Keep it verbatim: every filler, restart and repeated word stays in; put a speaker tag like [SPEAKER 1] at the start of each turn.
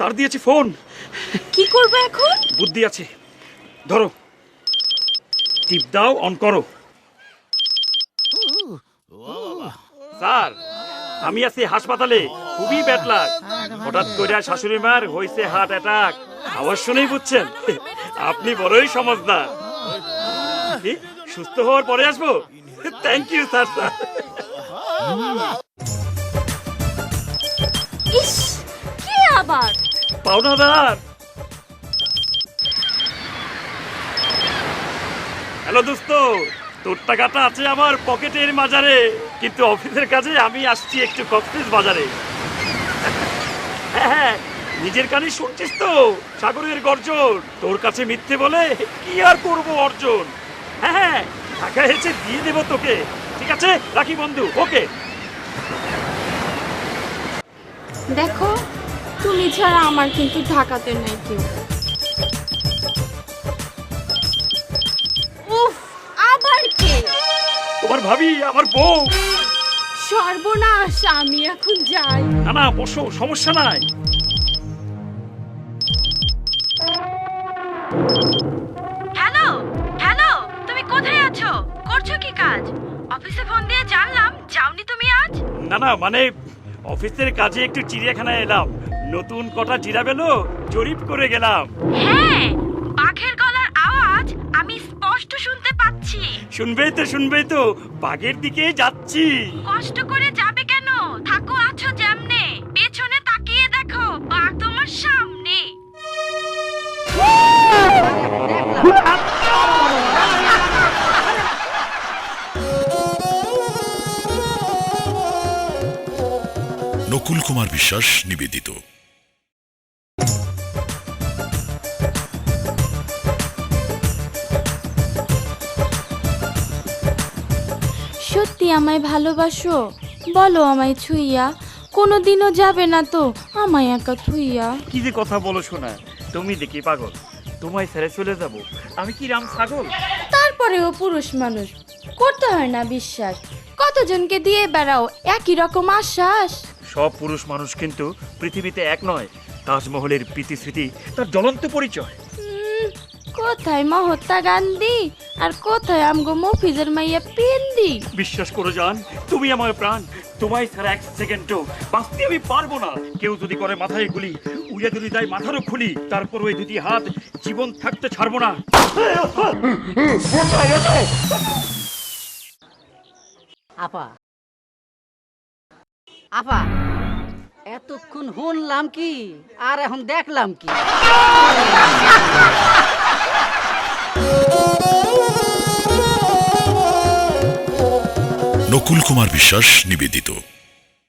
[SPEAKER 1] Sir দিয়েছে phone.
[SPEAKER 2] কি করবে এখন?
[SPEAKER 1] বুদ্ধি আছে, ধরো, টিপ দাও, অন করো। স্যার, আমি আছি হাসপাতালে, খুবই ব্যাড লাক। হঠাৎ করে শাশুড়ি মার হয়েছে হার্ট অ্যাটাক। আওয়াজ শুনেই বুঝছেন আপনি বড়ই সমঝদার। সুস্থ হওয়ার পরে আসবো। Thank you sir. স্যার
[SPEAKER 2] ইস, কি আবার?
[SPEAKER 1] পাওনাদার। হ্যালো দোস্ত, তোর টাকাটা আছে আমার পকেটের মাজারে, কিন্তু অফিসের কাজে আমি আসছি একটু কক্সেস বাজারে। হ্যাঁ হ্যাঁ, নিজের কানে শুনছিস তো সাগরের গর্জন। তোর কাছে মিথ্যে বলে কি আর করবো অর্জন। হ্যাঁ হ্যাঁ, টাকা এসে দিয়ে দেবো তোকে। ঠিক আছে, রাখি বন্ধু, ওকে।
[SPEAKER 2] দেখো, তুমি ছাড়া আমার কিন্তু ঢাকাতে নাই কেউ। উফ, আবার কে?
[SPEAKER 1] তোমার ভাবি, আমার বউ।
[SPEAKER 2] সর্বনাশ, আমি এখন যাই।
[SPEAKER 1] না না, বসো, সমস্যা নাই।
[SPEAKER 3] হ্যালো হ্যালো, তুমি কোথায় আছো? করছো কি কাজ? অফিসে ফোন দিয়ে জানলাম যাওনি তুমি আজ।
[SPEAKER 1] না না, মানে অফিসের কাজে একটু চিড়িয়াখানায় এলাম, নতুন কটা জিরাবেলো জরিপ করে গেলাম।
[SPEAKER 3] হ্যাঁ, বাঘের গলার আওয়াজ আমি স্পষ্ট শুনতে পাচ্ছি।
[SPEAKER 1] শুনবেই তো, শুনবেই তো, বাঘের দিকে যাচ্ছি।
[SPEAKER 3] কষ্ট করে যাবে কেন? থাকো আছো যেমনে, পেছনে তাকিয়ে দেখো বাঘ তোমার সামনে।
[SPEAKER 4] নকুল কুমার বিশ্বাস নিবেদিত।
[SPEAKER 2] সত্যি আমায় ভালোবাসো? বলো আমায় ছুঁইয়া, কোনোদিনও যাবে না তো আমায় একা থুইয়া?
[SPEAKER 1] কি যে কথা বলো শোনা, তুমি দেখি পাগল, তোমায় ছেড়ে চলে যাব আমি কি রাম ছাগল?
[SPEAKER 2] তারপরেও পুরুষ মানুষ, করতে হয় না বিশ্বাস? কতজনকে দিয়ে বেড়াও একই রকম আশ্বাস?
[SPEAKER 1] সব পুরুষ মানুষ কিন্তু পৃথিবীতে এক নয়। তাজমহলের প্রীতিস্মৃতি তার জ্বলন্ত পরিচয়।
[SPEAKER 2] উম, কোথায় মহাত্মা গান্ধী আর কোথায় আমগো মফিজের মাইয়া পিন্দি?
[SPEAKER 1] বিশ্বাস করো জান, তুমি আমার প্রাণ। তোমায় ছাড়া এক সেকেন্ডও বাঁচতে আমি পারবো না। কেউ যদি করে মাথায় গুলি, উড়ে যদি দেয় মাথারও খুলি, তারপর ওই দুটি হাত জীবন থাকতে ছাড়বো না।
[SPEAKER 5] আপা আপা, এতক্ষণ শুনলাম কি আর এখন দেখলাম কি?
[SPEAKER 4] নকুল কুমার বিশ্বাস নিবেদিত।